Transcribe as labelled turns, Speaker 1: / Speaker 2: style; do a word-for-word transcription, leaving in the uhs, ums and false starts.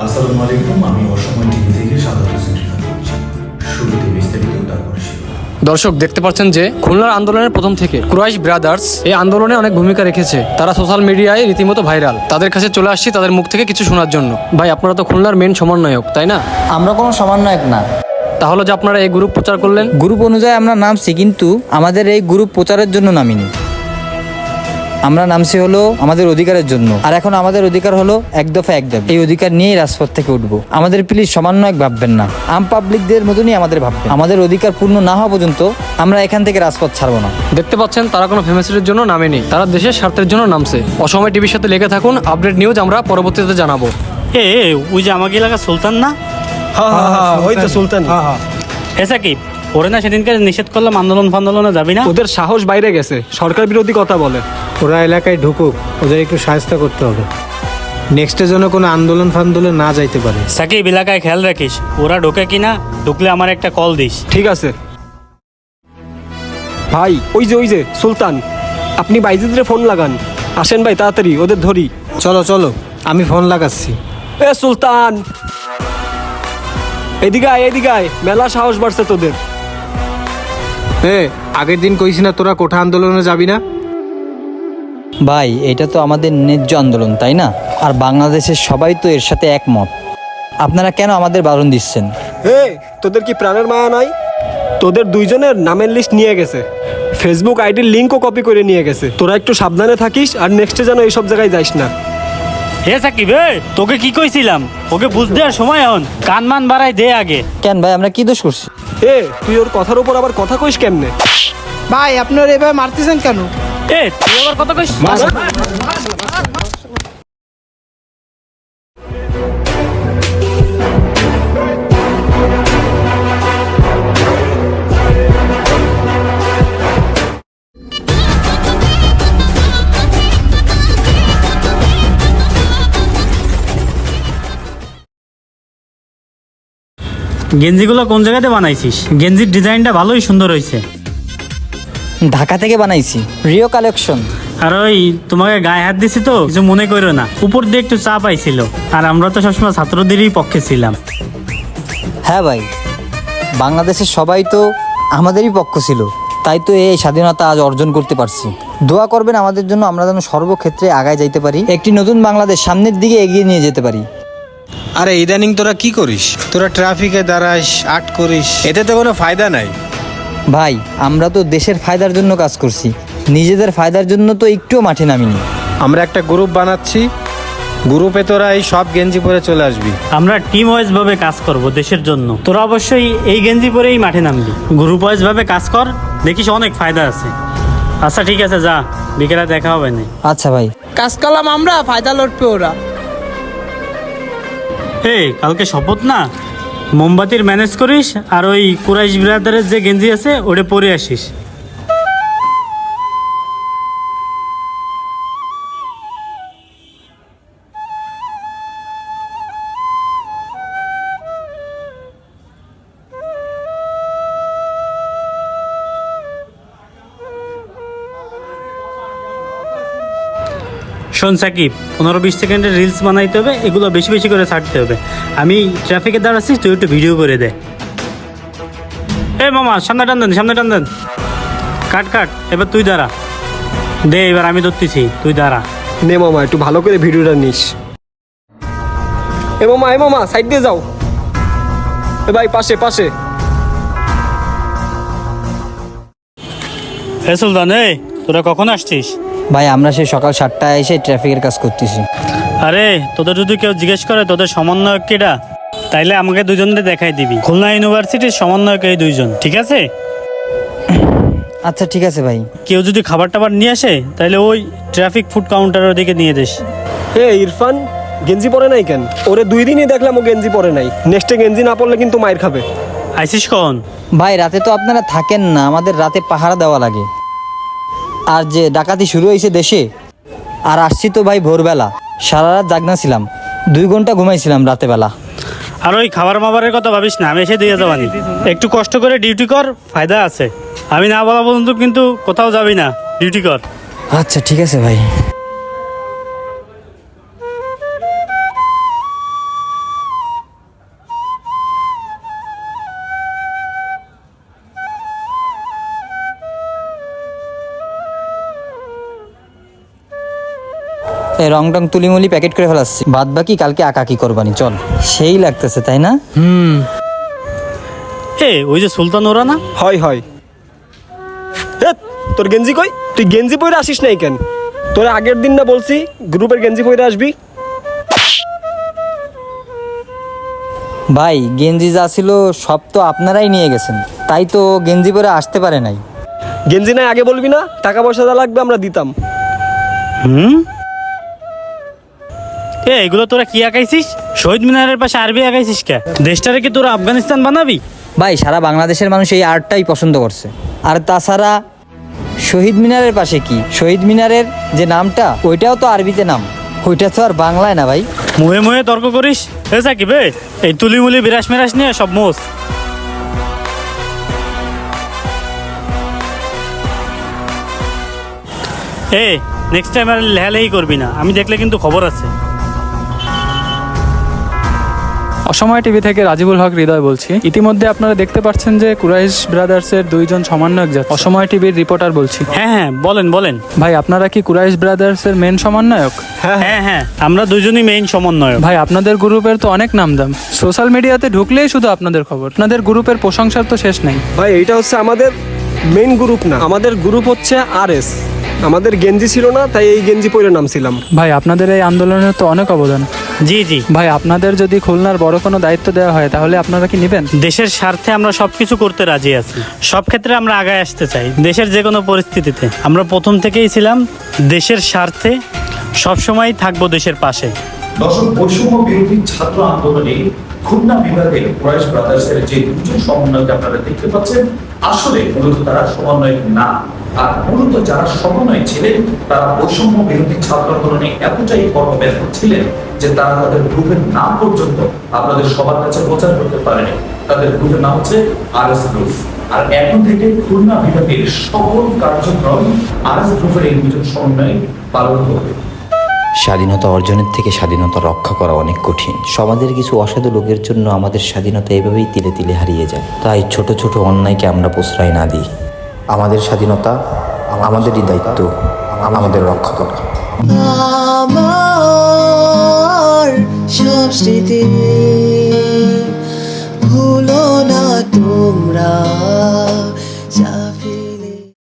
Speaker 1: আসসালামু আলাইকুম, আমি অসময় টিভি থেকে সাদত হোসেন রিফাত বলছি। শুরুতে বিস্তারিত, তারপর শিরোনাম।
Speaker 2: দর্শক দেখতে পাচ্ছেন যে খুলনার আন্দোলনের প্রথম থেকে কুরাইশ ব্রাদার্স এই আন্দোলনে অনেক ভূমিকা রেখেছে। তারা সোশ্যাল মিডিয়ায় রীতিমতো ভাইরাল। তাদের কাছে চলে আসছি তাদের মুখ থেকে কিছু শোনার জন্য। ভাই, আপনারা তো খুলনার মেন সমন্বয়ক, তাই না?
Speaker 3: আমরা কোনো সমন্বয়ক না।
Speaker 2: তাহলে যে আপনারা এই গ্রুপ প্রচার করলেন?
Speaker 3: গ্রুপ অনুযায়ী আমরা নামছি, কিন্তু আমাদের এই গ্রুপ প্রচারের জন্য নামিনি। আমরা নামছি হলো আমাদের অধিকারের জন্য। আর এখন আমাদের অধিকার হলো এক দফা এক দাবি। এই অধিকার নিয়েই রাজপথ থেকে উঠবো। আমাদের প্লিজ সমন্বয়ক ভাববেন না, আম পাবলিকদের মতনই আমাদের ভাববেন। আমাদের অধিকার পূর্ণ না হওয়া পর্যন্ত আমরা এখান থেকে রাজপথ ছাড়বো না।
Speaker 2: দেখতে পাচ্ছেন তারা কোনো ফেমাসিটির জন্য নামেনি, তারা দেশের স্বার্থের জন্য নামছে। অসময় টিভির সাথে লেগে থাকুন, আপডেট নিউজ আমরা পরবর্তীতে জানাবো।
Speaker 4: এ এ, ওই যে আমাকে এলাকা সুলতান না?
Speaker 5: হ্যাঁ হ্যাঁ হ্যাঁ ওই তো সুলতান। হ্যাঁ হ্যাঁ
Speaker 4: এসা কি ওরে না সেদিনকে নিষেধ করলাম আন্দোলন ফান্দোলনে যাবি না?
Speaker 2: ওদের সাহস বাইরে গেছে, সরকার বিরোধী কথা বলে।
Speaker 5: ওরা এলাকায় ঢুকুক, ওদের একটু সাহায্য করতে হবে। নেক্সটে যেন কোনো আন্দোলন ফান্দোলন না যাইতে পারে।
Speaker 4: সাকিব, এলাকায় খেয়াল রাখিস, ওরা ঢোকে কিনা, ঢুকলে আমার একটা কল দিস।
Speaker 6: ঠিক আছে ভাই। ওই যে ওই যে সুলতান, আপনি বাইজিদের ফোন লাগান। আসেন ভাই, তাড়াতাড়ি ওদের ধরি।
Speaker 5: চলো চলো, আমি ফোন লাগাচ্ছি।
Speaker 6: এ সুলতান, এদিকে আয়, এদিকে আয়। মেলা সাহস বাড়ছে তোদের।
Speaker 5: এ আগের দিন কইছি না তোরা কোঠা আন্দোলনে যাবি না?
Speaker 3: ভাই, এটা তো আমাদের ন্যায্য আন্দোলন, তাই না? আর বাংলাদেশের সবাই তো এর সাথে একমত। আপনারা কেন আমাদের বারণ দিচ্ছেন?
Speaker 6: এ তোদের কি প্রাণের মায়া নাই? তোদের দুইজনের নামের লিস্ট নিয়ে গেছে, ফেসবুক আইডির লিঙ্কও কপি করে নিয়ে গেছে। তোরা একটু সাবধানে থাকিস, আর নেক্সটে যেন এইসব জায়গায় যাইস না।
Speaker 4: হে সাকিব, এ তোকে কি কইছিলাম? ওকে বুঝ দেওয়ার সময় এখন কান মান বাড়াই দে আগে।
Speaker 3: কেন ভাই, আমরা কি দোষ করছি?
Speaker 6: এ তুই ওর কথার উপর আবার কথা কইস কেমনে?
Speaker 7: ভাই, আপনার এভাবে মারতেছেন কেন?
Speaker 4: এ তুই আবার কথা কইস? গেঞ্জিগুলো কোন জায়গাতে বানাইছিস? গেঞ্জির ডিজাইনটা ভালোই সুন্দর হয়েছে।
Speaker 3: ঢাকা থেকে বানাইছি, রিও কালেকশন।
Speaker 4: আর ওই তোমাকে গায়ে হাত দিছি তো কিছু মনে করো না, উপর দিয়ে একটু চাপ আইছিল। আর আমরা তো সবসময় ছাত্রদেরই পক্ষে ছিলাম।
Speaker 3: হ্যাঁ ভাই, বাংলাদেশের সবাই তো আমাদেরই পক্ষ ছিল, তাই তো এই স্বাধীনতা আজ অর্জন করতে পারছি। দোয়া করবেন আমাদের জন্য, আমরা যেন সর্বক্ষেত্রে আগায় যাইতে পারি, একটি নতুন বাংলাদেশ সামনের দিকে এগিয়ে নিয়ে যেতে পারি।
Speaker 5: আরে ইদানিং তোরা কি করিস? তোরা ট্রাফিকে দাঁড়াস, আট করিস, এতে তো কোনো ফায়দা নাই।
Speaker 3: ভাই, আমরা তো দেশের ফায়দার জন্য কাজ করছি, নিজেদের ফায়দার জন্য তো একটুও মাঠে নামিনি।
Speaker 5: আমরা একটা গ্রুপ বানাচ্ছি, গ্রুপে তোরা এই সব গেঞ্জি পরে চলে আসবি।
Speaker 4: আমরা টিম ওয়াইজ ভাবে কাজ করব দেশের জন্য। তোরা অবশ্যই এই গেঞ্জি পরেই মাঠে নামবি। গ্রুপ ওয়াইজ ভাবে কাজ কর, দেখিস অনেক ফায়দা আছে। আচ্ছা ঠিক আছে, যা, বিকেলে দেখা হবে না।
Speaker 3: আচ্ছা ভাই।
Speaker 7: কাজ করলাম আমরা, ফায়দা লড়বে ওরা।
Speaker 4: এই কালকে শপথ না, মোমবাতির ম্যানেজ করিস, আর ওই কুরাইশ ব্রাদারের যে গেঞ্জি আছে ওটা পরে আসিস। শোন সাকিব, পনেরো বিশ সেকেন্ডের রিলস বানাইতে হবে, এগুলো বেশি বেশি করে ছাড়তে হবে। আমি ট্রাফিকে দাঁড়াচ্ছি, তুই একটু ভিডিও করে দে। এ মামা, সামনে টান দেন, সামনে টান দেন। কাট কাট, এবার তুই দাঁড়া দে। এবার আমি ধরতেছি, তুই দাঁড়া।
Speaker 6: নে মামা, একটু ভালো করে ভিডিওটা নিস। এ মামা, এ মামা, সাইড দিয়ে যাও। এ ভাই, পাশে পাশে।
Speaker 4: এ সুলতান, এ তোরা কখন আসছিস?
Speaker 3: ভাই, আমরা সেই সকাল সাতটায় এসে ট্রাফিকের কাজ করতেছি।
Speaker 4: আরে তোদের যদি কেউ জিজ্ঞেস করে তোদের সমন্বয়ক কেডা, তাইলে আমাকে দুজনকে দেখাই দিবি। খুলনা ইউনিভার্সিটির সমন্বয়ক এই দুইজন, ঠিক আছে?
Speaker 3: আচ্ছা ঠিক আছে ভাই।
Speaker 4: কেউ যদি খাবার টাবার নিয়ে আসে, তাহলে ওই ট্রাফিক ফুড কাউন্টারের দিকে নিয়ে যাস।
Speaker 6: এ ইরফান, গেঞ্জি পরে নাই কেন? ওরে দুই দিনই দেখলাম ও গেঞ্জি পরে নাই। নেক্সটে গেঞ্জি না পরলে কিন্তু মায়ের খাবে।
Speaker 4: আইসিস কখন?
Speaker 3: ভাই, রাতে তো আপনারা থাকেন না, আমাদের রাতে পাহারা দেওয়া লাগে। আর যে ডাকাতি শুরু হয়েছে দেশে, আর আসছি তো ভাই ভোরবেলা, সারা রাত জাগনা ছিলাম, দুই ঘন্টা ঘুমাইছিলাম রাতে বেলা।
Speaker 4: আর ওই খাবার মাবারের কথা ভাবিস না, আমি এসে দিয়ে যাবানি। একটু কষ্ট করে ডিউটি কর, ফায়দা আছে। আমি না বলা পর্যন্ত কিন্তু কোথাও যাবি না, ডিউটি কর।
Speaker 3: আচ্ছা ঠিক আছে ভাই। এই রং টং তুলিমুলি প্যাকেট করে ফেলাচ্ছি, বাদ বাকি কালকে আঁকাকি করবানি। চল, সেই লাগতেছে তাই না?
Speaker 2: হুম।
Speaker 4: এ ওই যে সুলতান ওরা না?
Speaker 6: হয় হয়। হেৎ, তোর গেঞ্জি কই? তুই গেঞ্জি পরে আসিস নাই কেন? তোর আগের দিন না বলছি গ্রুপের গেঞ্জি পরে আসবি?
Speaker 3: ভাই গেঞ্জি যা ছিল সব তো আপনারাই নিয়ে গেছেন, তাই তো গেঞ্জি পরে আসতে পারে নাই।
Speaker 6: গেঞ্জি নাই আগে বলবি না? টাকা পয়সা যা লাগবে আমরা দিতাম।
Speaker 4: হুম। এ এগুলো তোরা কি আঁকাইছিস? শহীদ মিনারের পাশে আরবি আঁকাইছিস কে? দেশটারে কি তোরা আফগানিস্তান বানাবি?
Speaker 3: ভাই সারা বাংলাদেশের মানুষ এই আর্টটাই পছন্দ করছে। আর তাছাড়া শহীদ মিনারের পাশে কি, শহীদ মিনারের যে নামটা ওইটাও তো আরবিতে নাম, ওইটা তো আর বাংলায় না ভাই।
Speaker 4: মুহে মুহে তর্ক করিস? এ সাকিব বে, এই তুলি মুলি বিরাস মিরাস নিয়ে সব মোস। এ নেক্সট টাইম আর লেহালেহি করবি না, আমি দেখলে কিন্তু খবর আছে।
Speaker 8: অসময় টিভি থেকে রাজিবুল হক হৃদয় বলছি। ইতিমধ্যে আপনারা দেখতে পাচ্ছেন যে কুরাইশ ব্রাদার্সের দুইজন সমন্বয়ক যাচ্ছে। অসময় টিভির রিপোর্টার বলছি।
Speaker 4: হ্যাঁ হ্যাঁ বলেন বলেন।
Speaker 8: ভাই আপনারা কি কুরাইশ ব্রাদার্সের মেন সমন্বয়ক?
Speaker 4: হ্যাঁ হ্যাঁ আমরা দুজনই মেইন সমন্বয়ক।
Speaker 8: ভাই আপনাদের গ্রুপের তো অনেক নামদাম, সোশ্যাল মিডিয়াতে ঢুকলেই শুধু আপনাদের খবর। আপনাদের গ্রুপের প্রশংসার তো শেষ নাই।
Speaker 6: ভাই এইটা হচ্ছে আমাদের মেইন গ্রুপ না, আমাদের গ্রুপ হচ্ছে আর এস। আমাদের গেঞ্জি ছিল না, তাই এই গেঞ্জি পরে নামছিলাম।
Speaker 8: ভাই আপনাদের এই আন্দোলনের তো অনেক অবদান।
Speaker 4: জি জি।
Speaker 8: ভাই আপনাদের যদি খুলনার বড় কোনো দায়িত্ব দেওয়া হয় তাহলে আপনারা কি নেবেন?
Speaker 4: দেশের স্বার্থে আমরা সবকিছু করতে রাজি আছি, সব ক্ষেত্রে আমরা আগায় আসতে চাই। দেশের যে কোনো পরিস্থিতিতে আমরা প্রথম থেকেই ছিলাম দেশের স্বার্থে, সবসময় থাকবো দেশের পাশে।
Speaker 1: দর্শক, বৈষম্য বিরোধী ছাত্র আন্দোলনে খুলনা বিভাগের কুরাইশ ব্রাদার্সের যে দুজন সমন্বয়ক আপনারা দেখতে পাচ্ছেন, আসলে মূলত তারা সমন্বয়ক না। আর মূলত যারা সমন্বয় ছিলেন তারা বৈষম্য বিরোধী ছাত্র আন্দোলনে এতটাই কর্মব্যস্ত ছিলেন যে তারা তাদের গ্রুপের নাম পর্যন্ত আপনাদের সবার কাছে প্রচার করতে পারেনি। তাদের গ্রুপের নাম হচ্ছে আর এস গ্রুপ। আর এখন থেকে খুলনা বিভাগের সকল কার্যক্রম আর এস গ্রুপের এই দুজন সমন্বয় পালন করবে।
Speaker 9: স্বাধীনতা অর্জনের থেকে স্বাধীনতা রক্ষা করা অনেক কঠিন। সমাজের কিছু অসাধু লোকের জন্য আমাদের স্বাধীনতা এভাবেই তিলে তিলে হারিয়ে যায়। তাই ছোট ছোট অন্যায়কে আমরা প্রশ্রয় না দিই। আমাদের স্বাধীনতা আমাদেরই দায়িত্ব, আমাদের রক্ষা করা।
Speaker 10: আমার সব স্মৃতি ভুলো না তোমরা।